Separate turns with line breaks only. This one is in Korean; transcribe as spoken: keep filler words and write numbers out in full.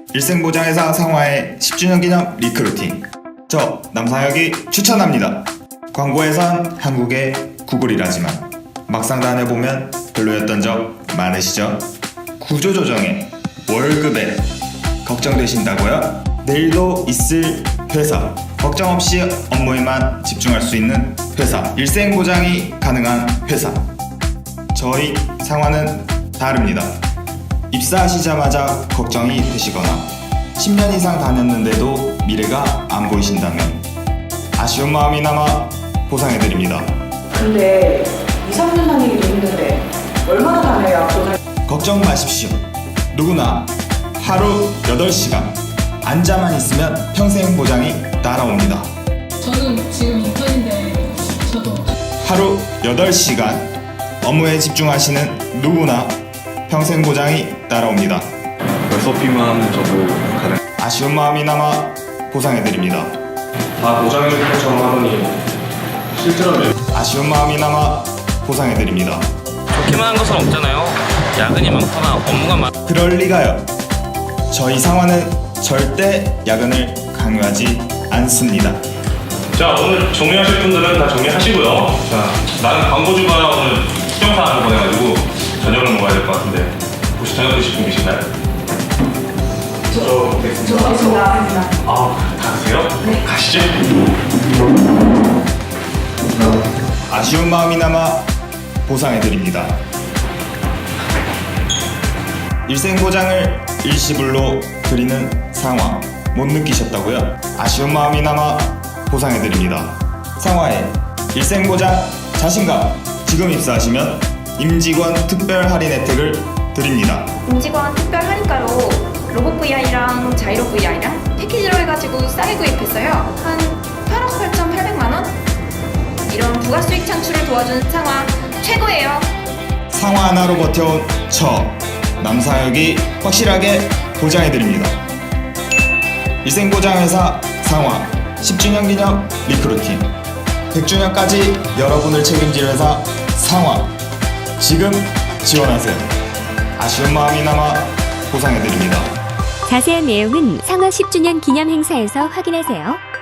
일생보장회사 상화의 십 주년 기념 리크루팅. 저 남상혁이 추천합니다. 광고에선 한국의 구글이라지만 막상 다녀보면 별로였던 적 많으시죠? 구조조정에 월급에 걱정되신다고요? 내일도 있을 회사, 걱정 없이 업무에만 집중할 수 있는 회사, 일생보장이 가능한 회사. 저희 상화는 다릅니다. 입사하시자마자 걱정이 되시거나 십 년 이상 다녔는데도 미래가 안 보이신다면 아쉬운 마음이 남아 보상해드립니다.
근데 이, 삼 년 다니기도 힘든데 얼마나 다녀야 보상...
걱정 마십시오. 누구나 하루 여덟 시간 앉아만 있으면 평생 보장이 따라옵니다.
저는 지금 인턴인데 저도
하루 여덟 시간 업무에 집중하시는 누구나 평생 보장이 따라옵니다.
에스오피만 저도 가능.
아쉬운 마음이 남아 보상해드립니다.
다 보장해줄 것처럼 하더니 실제로는
아쉬운 마음이 남아 보상해드립니다.
좋기만 한 것은 없잖아요. 야근이 많거나 업무가 많...
그럴 리가요. 저희 상화는 절대 야근을 강요하지 않습니다.
자, 오늘 정리하실 분들은 다 정리하시고요. 자, 나는 광고주가 오늘 수정사항을 보내가지고 저녁을 먹어야 될 것 같은데 혹시 저녁 드실 분 계신가요? 저 뵙겠습니다.
저 있습니다.
아, 다 드세요? 네. 가시죠.
아쉬운 마음이 남아 보상해드립니다. 일생보장을 일시불로 드리는 상화 못 느끼셨다고요? 아쉬운 마음이 남아 보상해드립니다. 상화의 일생보장 자신감. 지금 입사하시면 임직원 특별 할인 혜택을 드립니다.
임직원 특별 할인가로 로봇 브이아이랑 자이로 브이아이랑 패키지로 해가지고 싸게 구입했어요. 한 팔억 팔천팔백만 원? 이런 부가 수익 창출을 도와주는 상화 최고예요.
상화 하나로 버텨온 저 남상혁이 확실하게 보장해드립니다. 일생보장회사 상화 십 주년 기념 리크루팅, 백 주년까지 여러분을 책임질 회사 상화. 지금 지원하세요. 아쉬운 마음이 남아 보상해드립니다.
자세한 내용은 상화 십 주년 기념 행사에서 확인하세요.